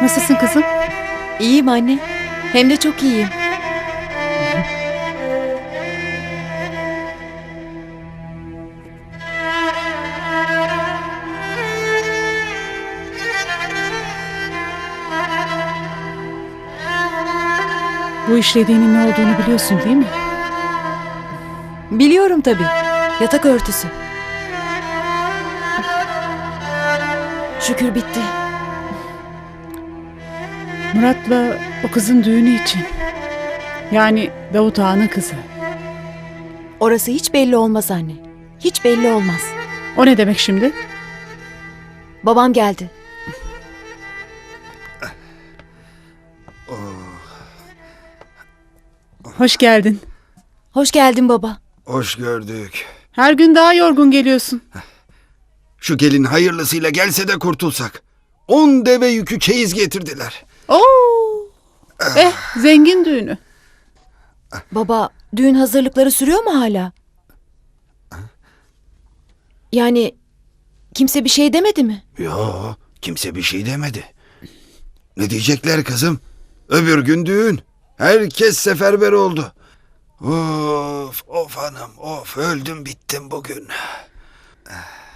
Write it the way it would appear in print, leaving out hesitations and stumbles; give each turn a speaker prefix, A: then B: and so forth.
A: Nasılsın kızım?
B: İyiyim anne. Hem de çok iyiyim.
A: Bu işlediğinin ne olduğunu biliyorsun değil mi?
B: Biliyorum tabii. Yatak örtüsü. Şükür bitti.
A: Murat'la o kızın düğünü için. Yani Davut Ağa'nın kızı.
B: Orası hiç belli olmaz anne. Hiç belli olmaz.
A: O ne demek şimdi?
B: Babam geldi.
A: Hoş geldin.
B: Hoş geldin baba.
C: Hoş gördük.
A: Her gün daha yorgun geliyorsun.
C: Şu gelin hayırlısıyla gelse de kurtulsak. 10 deve yükü çeyiz getirdiler.
A: Oo! Zengin düğünü.
B: Baba, düğün hazırlıkları sürüyor mu hala? Yani kimse bir şey demedi mi?
C: Yo, kimse bir şey demedi. Ne diyecekler kızım? Öbür gün düğün. Herkes seferber oldu. Of, of hanım, of öldüm bittim bugün.